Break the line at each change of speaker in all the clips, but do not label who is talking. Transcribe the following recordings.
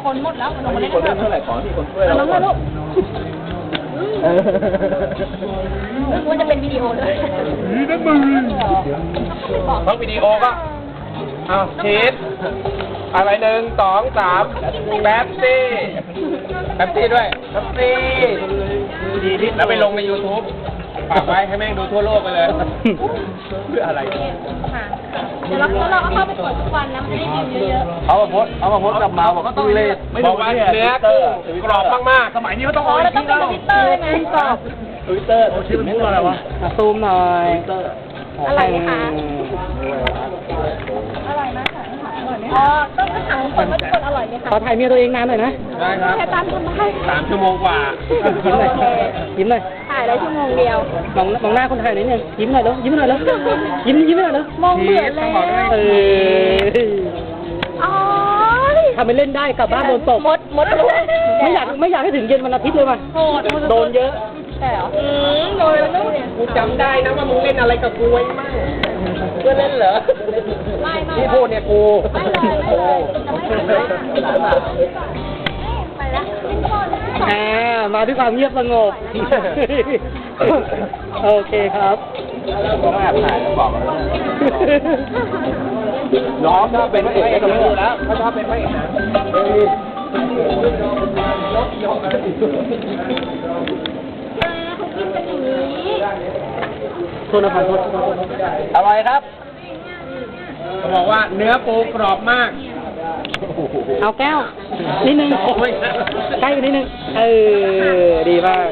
คนหมดแล้วลงมาเล่น
คนเล่นเท่าไหร่ขอที่คนช่วยเรา
น้องมาลูกควรจะเป็นวิดีโอเลย
เพราะวิดีโอก็เอาชีสอะไร1 2 3แป๊บซี่ด้วยแป๊บซี่แล้วไปลงใน YouTube ฝากไว้ให้แม่งดูทั่วโลกไปเลยเพื่ออะไร
ค่ะเดี๋ยวเราก็เข้าไปกดทุกวันนะมันจะได้วิวเยอะ
เอามาโพสกับมาบอกก็ต้องเล่นบอกว่าเนื้อกรอบมากๆสมัยนี้เขาต้อง
ๆอ๋อแล้วต้องเป็นทวิตเตอร์ใช่ไหมกรอบ
ทวิตเตอร์ชื่อมันพูดอะไรวะซูมหน่อยทวิตเตอร์
อร่อยไหมคะอร่อยมากค่ะอร่อยไหมคะอ๋อต้องถามคนว่าทุกคนอร่อยไหมคะ
ขอถ่ายเมียตัวเองนานหน่อยนะ
ได้ครับ
แค่ตามทำไม
3 ชั่วโมงกว่า
ยิ้มหน่อยยิ้มหน่อย
ถ่ายได้ชั่วโมงเดียว
มองหน้าคนถ่ายหน่อยนึงยิ้มหน่อยแล้วยิ้มหน่อยแล้วยิ้มหน่อยแล้ว
มองเบื่อเลย อ๋อ
ทำไปเล่นได้กลับบ้านโดนตบ
มดลูก
ไม่อยากให้ถึงเย็นวันอาทิตย์เลยว่ะ
โหด
โดนเยอะ
แต่เหรอโดนแล้วเนี่ย
กูจำได้นะว่ามึงเล่นอะไรกับกูไว้มั่งเพื่อนเล่นเหรอ
ไม่
ที่พูดเนี่ยกู
ไม่เลยจะไม่ทำไปแล้วเป็นคน
มาด้วยความเงียบสงบ โอเคครับ
ผมแอบถ่ายบอกน้องถ้าเป็นพระเอกก็ต้องดูแล้วถ้าชอบเป็นพระเอกนะ
โทษนะพันโทษ
อร่อยครับเขาบอกว่าเนื้อปูกรอบมาก
เอาแก้วนิดนึงใกล้กันนิดนึงดีมาก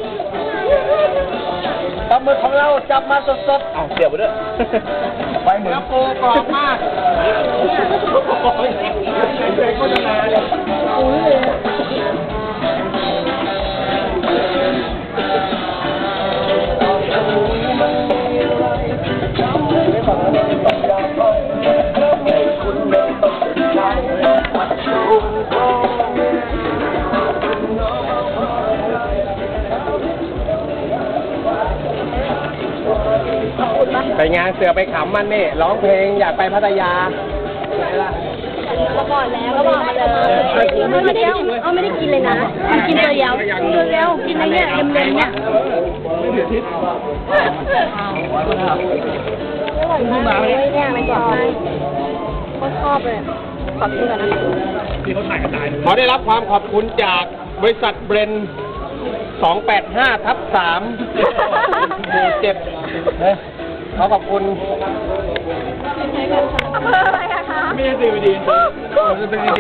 ปลาหมึกของเราจับมาสดๆเอาเดี๋ยวไปด้วยไปเหมือนปูกรอบมากเลยโฆษณาเลยไปงานเสือไปขำมันนี่ร้องเพลงอยากไปพัทยาไหนล่ะ
เราบอกแล้วเราบอกมาเลยไม่ได้กินไม่ได้กินเลยนะกินตัวเดียวกินอะไรเนี่ยเล็มๆเนี่ยเนี่ยมันกรอบมากก็ชอบเลยขอบคุณนะ
ขอได้รับความขอบคุณจากบริษัทเบรน285/3หมู่7ขอขอบคุณ
อะไรอะคะ
ไม่ใช่ดี